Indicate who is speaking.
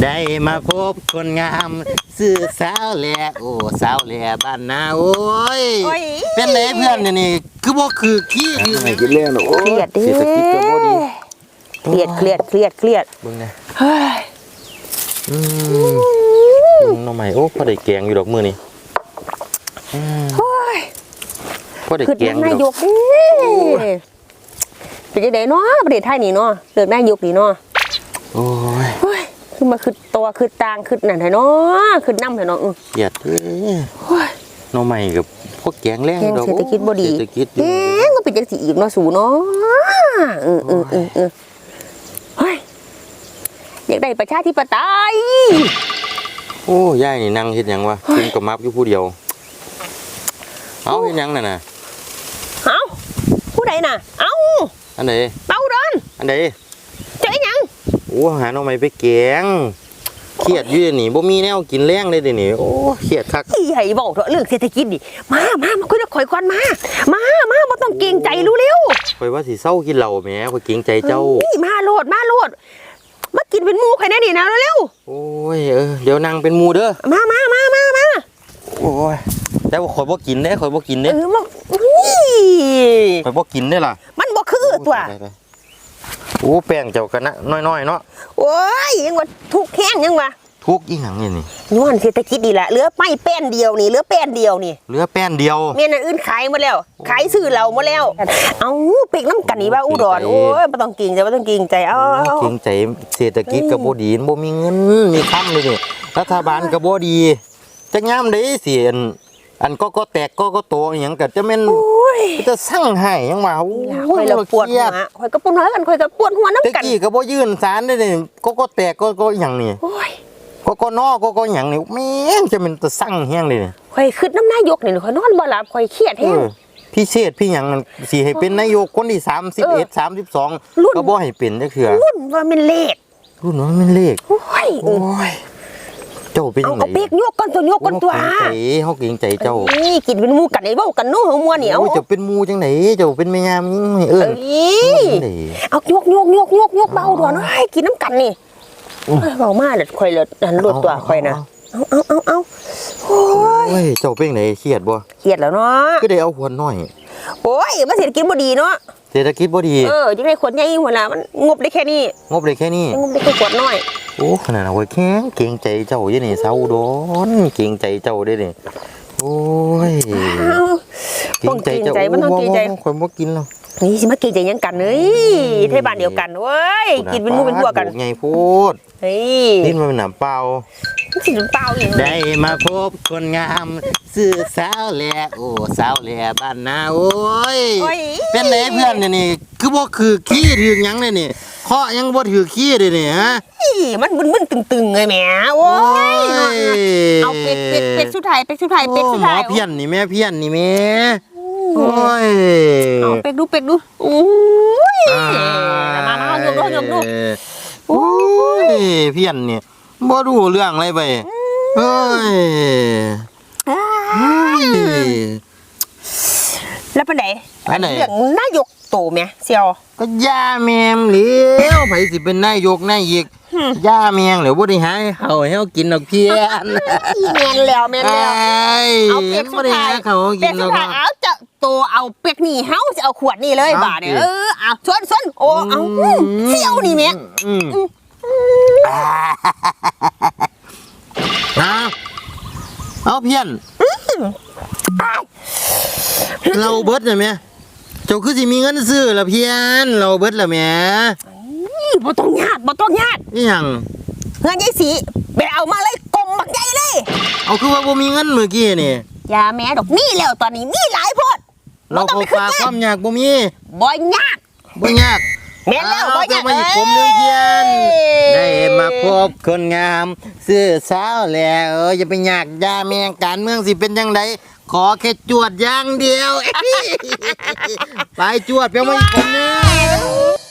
Speaker 1: ได้มาพบคนงามสื่อสาวแหล่โอ้สาวแหล่บ้านนาโอ้ยเป็นไรเพื่อนนี่คือบ่คือขี้อยู่ไหนกินเรื่องโอ้เครียดดิเศรษฐกิจก็บ่ดี
Speaker 2: เครียดเบิ่งนะ
Speaker 1: เฮ้ยน้องใหม่โอ้พอได้แกงอยู่ดอกมื้อนี้พอได้แกงอยู่ดอกนายก
Speaker 2: เป็นจังได๋เนาะประเทศไทยนี่เนาะเลือกนายกนี่เนาะ
Speaker 1: โอ้ย
Speaker 2: คือมาคือตัวคือตางคือนั่นแท้เนาะคือน้ำแท้เนาะ
Speaker 1: เครียดน้องใหม่กับพวกแกงแรง
Speaker 2: ดอกเศรษฐกิจบ่ดี
Speaker 1: เศรษฐกิจ
Speaker 2: แกงก็เป็นจังซี่อีกเนาะสูเนาะเฮ้ยอยากได้ประชาธิปไตย
Speaker 1: โอ้ยายนี่นั่งเฮ็ดหยังวะกินกับมับอยู่ผู้เดียวเอาเฮ็ดหยังน่ะ
Speaker 2: เอาผู้ใดน่ะเอา
Speaker 1: อันไหน
Speaker 2: เป่าดอน
Speaker 1: อันไหน
Speaker 2: เจ๊ยัง
Speaker 1: โอ้หาน้องใหม่ไปแกงเครียดอยู่นี่บ่มีแนวกินแรงเลยเดี๋ยวนี้โอ้เครียดคัก
Speaker 2: อีใหญ่บอกเถอะเรื่องเศรษฐกิจดิมาคุยกับข่อยก่อนมาบ่ต้องเกรงใจรู้เร็ว
Speaker 1: ข่อยว่าสิเศร้ากินเหล้าแหมข่อยเกรงใจเจ้า
Speaker 2: มาโลดมากินเป็นหมู่ข่อยแน่นี่นะเร็ว
Speaker 1: โอ้ยเดี๋ยวนั่งเป็นหมู่เด้อ
Speaker 2: มา
Speaker 1: โอ้ยแต่ว่าข่อยบ่กินเด้ข่อยบ่กินเด้ข่อยบ่กินเด้ล่ะ
Speaker 2: มันบ่คือตัว
Speaker 1: โอ้แป้งเจ้ากันนะน้อยๆเนาะ
Speaker 2: โอ้ยยังว่าทุกแห้งยังวะ
Speaker 1: ทุกอีหยังนี่
Speaker 2: ย้อนเศรษฐกิจนี่แหละเหลือไม่แป้นเดียวนี่เหลือแป้นเดียวนี่
Speaker 1: เหลือแป้นเดียว
Speaker 2: เมียนอื่นขายหมดแล้วขายซื้อเราหมดแล้วเอาเป็กน้ำกันนี่ว่าอุดรโอ้ยไม่ต้องกินใจไม่ต้องกินใจเอา
Speaker 1: กินใจเศรษฐกิจกับบ่ดีบ่มีเงินมีค่ำเลยนี่รัฐบาลกับบ่ดีจะงามได้สิอันก็แตกก็โตอย่างกันจะแม่นจะสั่งให้ยังว่าโอ้ย
Speaker 2: เราปวดหัวข่อยก็ปวดหัวกันข่อยก็ปวดหัวน้ำกัน
Speaker 1: ตะกี้ก็บ่ยื่นศาลได้นี่ก็แตกก็อย่างนี้ก็นอก็อย่างนี้แม่งจะเป็นจะสั่งแห้งเลย
Speaker 2: ข่อยคิดน้ำนายกนี่ข่อยนอนบ่หลับข่อยเครียดแห้ง
Speaker 1: พี่เชษพี่หยังสิให้เป็นนายกคนที่31 32ก็บ่ให้เป็นจักเทื่อ
Speaker 2: รุ่นว่ามันเลขโอ้ย
Speaker 1: เจ้าเป็นยังไง
Speaker 2: เอาเป๊กยกกันตัว
Speaker 1: เขาเกรงใจเจ้า
Speaker 2: นี่กินเป็นมูกันไอ้เบ้ากันนู้หัวมัวเหนียว
Speaker 1: เจ้าเป็นมูจังไหนเจ้าเป็นแม่ยามยิ่ง
Speaker 2: เอายกเบาด่วนกินน้ำกันนี่เบามากเลยคอยเลยหันรวดตัวคอยนะเอาโอ้
Speaker 1: ยเจ้าเป็นไหนเครียดบ่
Speaker 2: เครียดแล้วเนาะ
Speaker 1: ก็ได้เอาหัวน้อย
Speaker 2: โอ้ยมันเศรษฐกิจบ่ดีเนาะ
Speaker 1: เศรษฐกิจบ่ดี
Speaker 2: ยังไงขวดใหญ่หัวละมันงบได้แค่นี้
Speaker 1: งบได้แค่
Speaker 2: ขวดน้อย
Speaker 1: โอ้ขนาดเอาไว้แข็งเกรงใจเจ้าอยู่นี่เศร้าโดนเกรงใจเจ้าได้นี่โอ้ย
Speaker 2: เกรงใจเจ้ามันต้องเกรงใจ
Speaker 1: คนบ่กินหรอก
Speaker 2: นี่สิมาเกรงใจยังกันเฮ้ยเทบ้านเดียวกันเว้ยกินเป็นมู่เป็นพวกกัน
Speaker 1: ไงพูด
Speaker 2: เฮ้ย
Speaker 1: นี่มันเป็นน้ำเปล่าได้มาพบคนงามสื่อสาวแหล่โอ้สาวแหล่บ้านนาโอ้ยเป็นไรเพื่อนนี่คือบ่คือขี้ถือยังเลยนี่เคาะยังบ่ถือขี้เลยนี่ฮะ
Speaker 2: มันบึ้นตึงๆเลยแหมโอ้ยเอาเป็ดสุดท้าย
Speaker 1: หมอเพี้ยนนี่แม่เพี้ยนนี่แม่โอ้ย
Speaker 2: เอาเป็ดดูโอ้ยมาโยกดู
Speaker 1: โอ้ยเพี้ยนนี่บ่รู้เรื่องอะไรไปเฮ้ย
Speaker 2: แล้วเป็นไหนเรื่องนายกโตไหมเซียว
Speaker 1: ก็ย่าแมงเหลียวไผสิเป็นนายกนายอีกย่าแมงเหลียวบ่ได้หาเขาให้เขากินดอกเพี้ยน
Speaker 2: แมนแล้วเอาเป็ดสุดท้ายเอาจะโตเอาเป็ดนี่เฮาจะเอาขวดนี่เลยบาทเนี่ยเอาชวนโอ้เอาเซียวนี่แม่
Speaker 1: เอาเพี้ยนเราเบิดเลยไหมเจ้าคือสิมีเงินซื้อละเพี้ยนเราเบิดละแม่
Speaker 2: บ่ต้องญาติ
Speaker 1: นี่ยัง
Speaker 2: เงินยายสีไปเอามาเลยกลมบักใหญ่เลย
Speaker 1: เอาคือว่าบ่มีเงินเมื่อกี้นี่
Speaker 2: ยาแม่ดอกนี่แล้วตอนนี้มีหลายโพด
Speaker 1: เราก็ฝากความยากบ่มี
Speaker 2: บ่ยากแม่แล้วบ่ยาก
Speaker 1: มาอีกผมนึงเพี้ยนได้มาพบคนงามซื้อสาวแล้วอย่าไปยากยาแม่การเมืองสิเป็นจังไดขอแค่จวดอย่างเดียวไปจวดเพียงมาอีกคนนึง